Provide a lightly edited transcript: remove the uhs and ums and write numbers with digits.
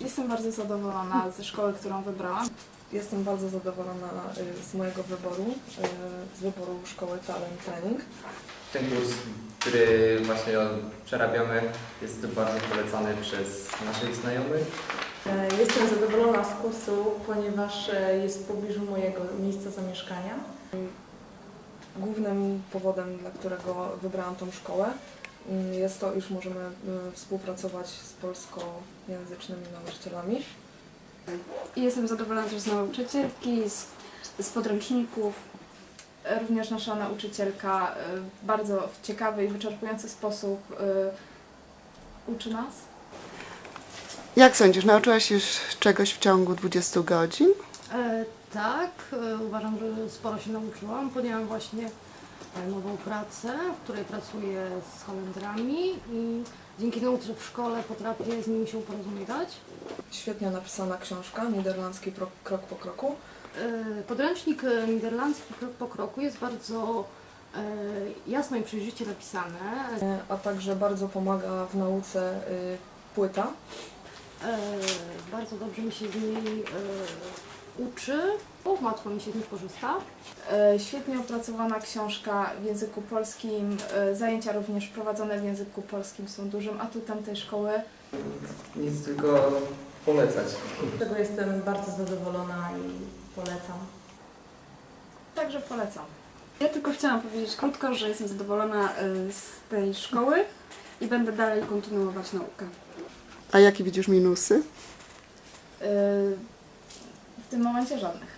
Jestem bardzo zadowolona ze szkoły, którą wybrałam. Jestem bardzo zadowolona z mojego wyboru, z wyboru szkoły Talent Training. Ten kurs, który właśnie przerabiamy, jest bardzo polecany przez naszych znajomych. Jestem zadowolona z kursu, ponieważ jest w pobliżu mojego miejsca zamieszkania. Głównym powodem, dla którego wybrałam tą szkołę, jest to, iż możemy współpracować z polskojęzycznymi nauczycielami. I jestem zadowolona też z nauczycielki, z podręczników. Również nasza nauczycielka bardzo w ciekawy i wyczerpujący sposób uczy nas. Jak sądzisz, nauczyłaś się już czegoś w ciągu 20 godzin? Tak, uważam, że sporo się nauczyłam. Podjęłam właśnie nową pracę, w której pracuję z Holendrami i dzięki temu, że w szkole potrafię z nimi się porozumiewać. Świetnie napisana książka, niderlandzki krok po kroku. Podręcznik niderlandzki krok po kroku jest bardzo jasno i przejrzyście napisane. A także bardzo pomaga w nauce płyta. Bardzo dobrze mi się z niej uczy, łatwo mi się z nich korzysta. Świetnie opracowana książka w języku polskim. Zajęcia również prowadzone w języku polskim są dużym atutem tej szkoły. Nic tylko polecać. Z tego jestem bardzo zadowolona i polecam. Także polecam. Ja tylko chciałam powiedzieć krótko, że jestem zadowolona z tej szkoły i będę dalej kontynuować naukę. A jakie widzisz minusy? W tym momencie żadnych.